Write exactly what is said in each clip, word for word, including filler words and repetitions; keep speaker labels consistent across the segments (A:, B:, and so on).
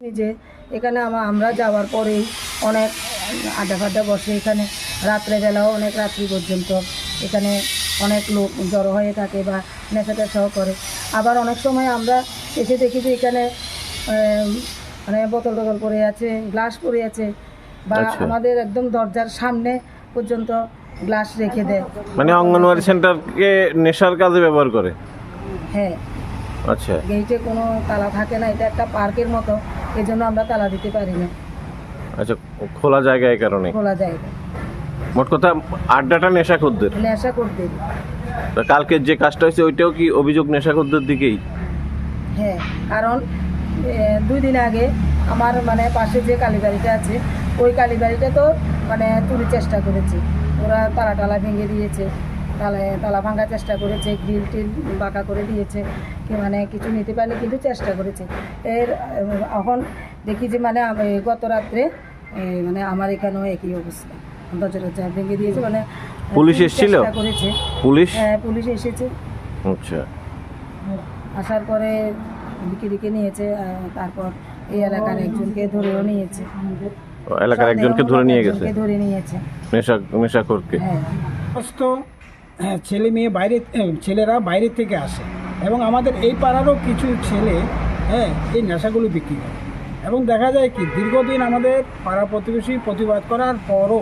A: যে এখানে আমরা যাওয়ার পরেই অনেক আড্ডা ফাড্ডা বসে, এখানে রাত্রেবেলাও অনেক রাত্রি পর্যন্ত এখানে অনেক লোক জড়ো হয়ে থাকে বা নেশা টেশাও করে। আবার অনেক সময় আমরা এসে দেখি যে এখানে মানে বোতল টোতল পড়ে আছে, গ্লাস পড়ে আছে, বা আমাদের একদম দরজার সামনে পর্যন্ত গ্লাস রেখে দেয়।
B: মানে অঙ্গনওয়াড়ি সেন্টারকে নেশার কাজে ব্যবহার করে?
A: হ্যাঁ।
B: আচ্ছা,
A: গেটে কোনো তালা থাকে না, এটা একটা পার্কের মতো, এই জন্য আমরা তালা দিতে পারি না।
B: আচ্ছা, খোলা জায়গা এই কারণে?
A: খোলা জায়গা।
B: মোট কথা আড্ডাটা নেশাখোরদের?
A: নেশাখোরদের।
B: কালকে যে কাজটা হয়েছে ওইটাও কি অভিযোগ নেশাখোরদের দিকেই?
A: হ্যাঁ, কারণ দুই দিন আগে আমার মানে পাশে যে কালীবাড়িটা আছে ওই কালীবাড়িটা তো মানে চুরির চেষ্টা করেছে, ওরা তালা টালা ভেঙে দিয়েছে, তালা তালা ভাঙার চেষ্টা করেছে, গ্রিল টিল বাঁকা করে দিয়েছে, কি মানে কিছু নিতে পারলে কিন্তু চেষ্টা করেছে। এর এখন দেখি যে মানে গত রাত্রে মানে আমার এখানেও একই অবস্থা, দরজা টরজা ভেঙে দিয়েছে, মানে
B: পুলিশ এসেছিল?
A: করেছে
B: পুলিশ?
A: হ্যাঁ, পুলিশ এসেছে।
B: আচ্ছা,
A: আসার পরে দিকে দিকে নিয়েছে, তারপর এই এলাকার একজনকে ধরেও নিয়েছে।
B: এলাকার একজনকে ধরে নিয়ে গেছে?
A: ধরে নিয়েছে
B: নেশা নেশাখোরকে।
A: হ্যাঁ।
C: সমস্ত ছেলে মেয়ে বাইরে, ছেলেরা বাইরে থেকে আসে এবং আমাদের এই পাড়ারও কিছু ছেলে হ্যাঁ এই নেশাগুলো বিক্রি করে, এবং দেখা যায় কি দীর্ঘদিন আমাদের পাড়া প্রতিবেশী প্রতিবাদ করার পরও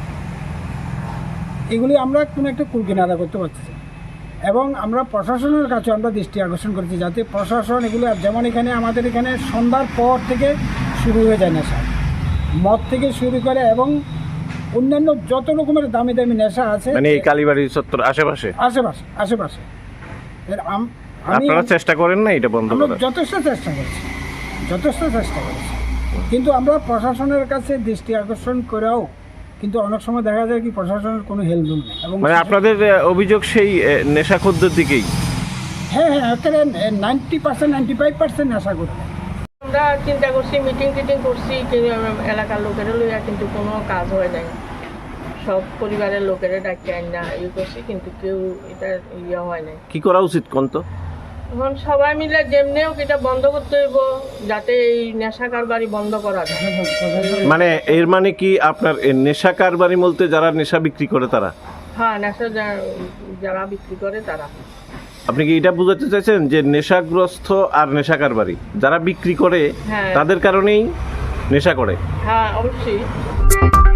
C: এগুলি আমরা কোনো একটা কুলকিনারা করতে পারছি, এবং আমরা প্রশাসনের কাছে আমরা দৃষ্টি আকর্ষণ করছি যাতে প্রশাসন এগুলো, যেমন এখানে আমাদের এখানে সন্ধ্যার পর থেকে শুরু হয়ে যায় নেশা, মদ থেকে শুরু করে এবং অন্যান্য যত রকমের দামি দামি নেশা আছে
B: মানে এই কালীবাড়ি চত্বর আশেপাশে
C: আশেপাশে আশেপাশে এর
B: আপনারা চেষ্টা করেন না এটা বন্ধ করার?
C: যথেষ্ট চেষ্টা করছি, যথেষ্ট চেষ্টা করছি, কিন্তু আমরা প্রশাসনের কাছে দৃষ্টি আকর্ষণ করেও কিন্তু অনেক সময় দেখা যায় কি প্রশাসনের কোনো হেলদোল নেই। এবং
B: মানে আপনাদের অভিযোগ সেই নেশাখোরদের দিকেই?
C: হ্যাঁ হ্যাঁ একেবারে ninety percent ninety five percent নেশা করতে।
D: আমরা চিন্তা করছি, মিটিং টিটিং করছি এলাকার লোকেরা লইয়া, কিন্তু কোনো কাজ হয় নাই। সব পরিবারের লোকেরা ডাকি আন না ইয়ে করছি, কিন্তু কেউ এটা ইয়ে হয় নাই।
B: কি করা উচিত কোন তো?
D: এখন সবাই মিলে যেমনিও এটা বন্ধ করতে হইব, যাতে এই নেশা কারবারি বন্ধ করা যায়।
B: মানে এর মানে কি আপনার নেশা কারবারি বলতে যারা নেশা বিক্রি করে তারা?
D: হ্যাঁ, নেশা যারা বিক্রি করে তারা।
B: আপনি কি এটা বুঝাতে চাইছেন যে নেশাগ্রস্ত আর নেশা কারবারি যারা বিক্রি করে তাদের কারণেই নেশা করে?
D: হ্যাঁ, অবশ্যই।